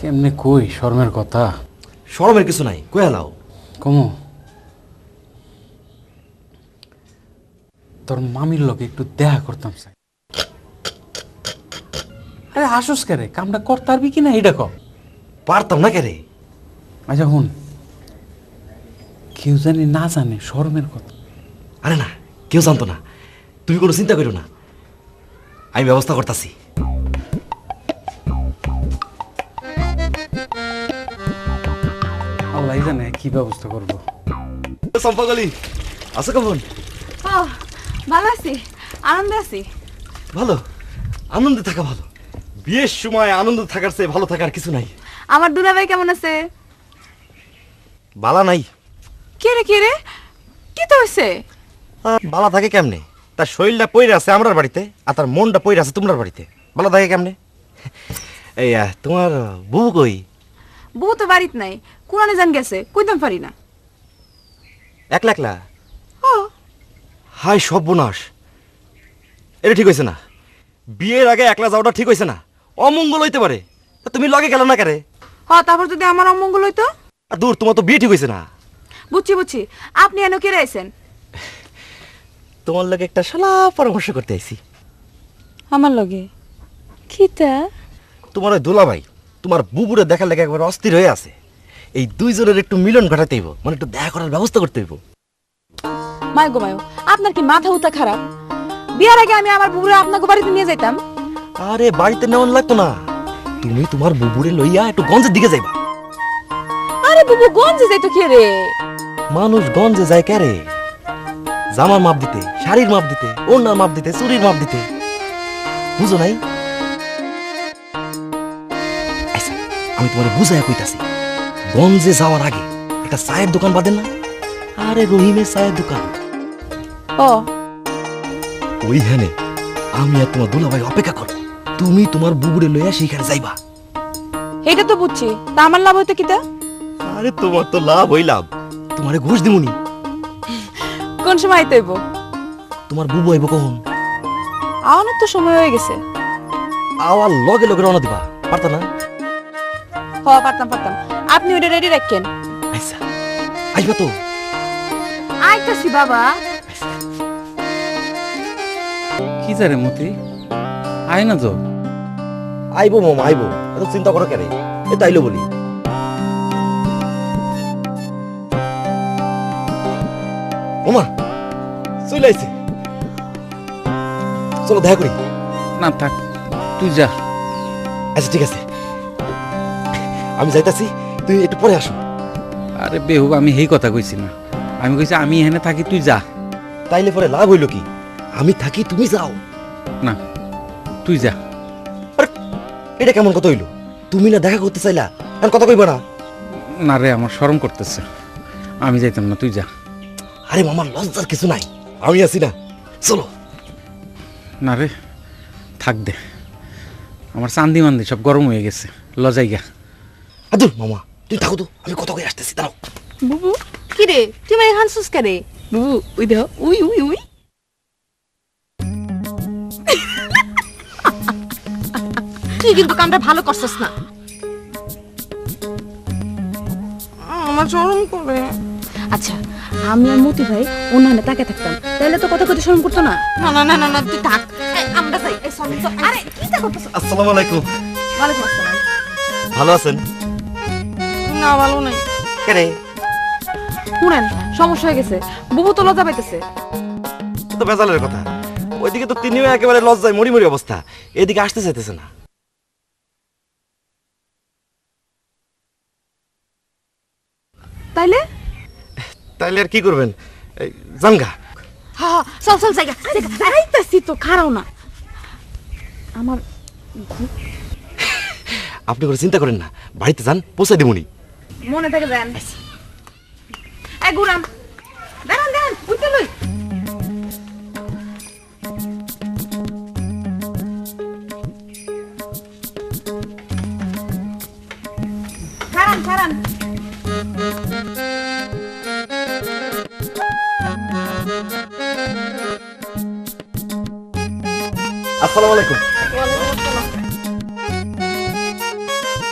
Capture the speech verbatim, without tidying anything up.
কেমনে কই শর্মের কথা? শরমের কিছু নাই, কয়ে লাও। কমু তোর মামির লগে একটু দেখা করতাম চাই। আরে হাসুস কে রে, কামটা করতে পারবি কিনা এটা কর। পারতাম না কে রে? আচ্ছা হুন, কেউ জানি না জানে শর্মের কথা। আরে না, কেউ জানতো না, তুমি কোনো চিন্তা করো না, আমি ব্যবস্থা করতেছি। আল্লাহ জানে কি ব্যবস্থা করবো। চম্পাকলি আছো কেমন? ও ভালো আছি, আনন্দে আছি। ভালো, আনন্দে থাকা ভালো। বিয়ের সময় আনন্দ থাকার চেয়ে ভালো থাকার কিছু নাই। আমার দুলাভাই কেমন আছে? বালা নাই। কে রে কে রে, কি তো হয়েছে? আহ, বালা থাকে কেমনে? তার শরীরটা পইরে আছে আমরার বাড়িতে, আর তার মনটা পইরে আছে তোমার বাড়িতে। বালা থাকে কেমনে? এই আহ, তোমার বউ কই? বউ তো বাড়িত নাই, কোরআনে জান গেছে, কইতাম পারি না। একলা একলা? ও হাই সর্বনাশ, এটা ঠিক হয়েছে না। বিয়ের আগে একলা যাওয়াটা ঠিক হয়েছে না, অমঙ্গল হইতে পারে। তা তুমি লগে গেল না কারে? হ, তারপর যদি আমার অমঙ্গল হইতো? আর দূর, তোমার তো বিয়ে ঠিক হয়েছে না। বুঝছি বুঝছি, আপনি এনে কে আইছেন? তোমার লগে একটা শালা পরামর্শ করতে আইছি। আমার লগে কিতা? তোমার ওই দুলাভাই তোমার বুবুরে দেখার লেগে একবার অস্থির হয়ে আছে। এই দুইজনের একটু মিলন ঘটাতে হইব, মানে একটু দেখা করার ব্যবস্থা করতে হইব। মায় গো মায়ো, আপনার কি মাথা উতা খারাপ? বিয়ার আগে আমি আমার বুবুরে আপনাকে বাড়িতে নিয়ে যাইতাম। আরে বাড়িতে নেওয়ান লাগতো না, তুমি তোমার বুবুরে লইয়া একটু গঞ্জের দিকে যাইবা। আরে বুবু গঞ্জে যাইতো কে রে? মানুষ গঞ্জে যায় কে রে? জামার মাপ দিতে, শাড়ির মাপ দিতে, ওড়নার মাপ দিতে, চুরির মাপ দিতে। বুঝো নাই? আচ্ছা, আমি তোমার বুঝাইয়া কইতাছি। গঞ্জে যাওয়ার আগে একটা চায়ের দোকান বাঁধেন না? আরে রহিমের চায়ের দোকান। ও ওইখানে আমি আর তোমার দুলাভাই অপেক্ষা করব। তুমি তোমার বুবুরে লইয়া সেইখানে যাইবা। এটা তো বুঝছি, তা আমার লাভ হইতো কিতা? আরে তোমার তো লাভ হই লাভ, তোমারে ঘুষ দিমুনি। কোন সময় আইতে হইব? তোমার বুবু আইব কখন? আওয়ানোর তো সময় হয়ে গেছে। আওয়ার লগে লগে রওনা দিবা, পারতা না? হ পারতাম পারতাম, আপনি ওটা রেডি রাখেন। আচ্ছা, আইবা তো? আইতাছি বাবা। কি জারে মতি, আয় না তো। আইবো মামা আইবো, এত চিন্তা করো কেন? এ তাইলো বলি। মামা চলে আইছে, চলো দেখা করি। না থাক, তুই যা। আচ্ছা ঠিক আছে, আমি যাইতাছি, তুই একটু পরে আসো। আরে বেহুব, আমি সেই কথা কইছি না, আমি কইছি আমি এখানে থাকি, তুই যা। তাইলে পরে লাভ হইল কি? আমি থাকি, তুমি যাও। না তুই যা। আরে এটা কেমন কথা হইলো? তুমি না দেখা করতে চাইলা, এখন কথা কইবা না? না রে, আমার শরম করতেছে, আমি যাইতাম না, তুই যা। আরে মামা লজ্জার কিছু নাই, আমি আছি না, চলো। না রে, থাক দে, আমার চান্দি মান্দি সব গরম হয়ে গেছে, লজাই গা। আদুর মামা তুই থাকো তো, আমি কথা কই আসতেছি, দাঁড়াও। বুবু কি রে, তুই মানে হানসুস কে রে? বুবু উই দেখ, উই উই উই। তুই কিন্তু কামটা ভালো করছস না। আমার শরম করে। আচ্ছা, আমি আর মতি ভাই ওনানে তাকে থাকতাম, তাহলে তো কথা কইতে শরম করতো না। না না না না না, তুই থাক, আমরা যাই। এই সরি তো। আরে কি তা করতেছ? আসসালামু আলাইকুম। ওয়ালাইকুম আসসালাম। ভালো আছেন? না ভালো নাই। কেরে? শুনেন, সমস্যা হয়ে গেছে, বুবু তো লজ্জা পাইতেছে। তো বেজালের কথা, ওইদিকে তো তিনিও একেবারে লজ্জায় মরি মরি অবস্থা, এদিকে আসতে চাইতেছে না। তাইলে তাইলে আর কি করবেন? এই, জানগা। হ্যাঁ চল চল জায়গা আইতাছি তো, খারাও না আমার। আপনি করে চিন্তা করেন না, বাড়িতে যান, পৌঁছে দিবনি। মনে থেকে যান। এই গুরাম দাঁড়ান দাঁড়ান, উঠতে লই। খারান খারান। আসসালামু আলাইকুম।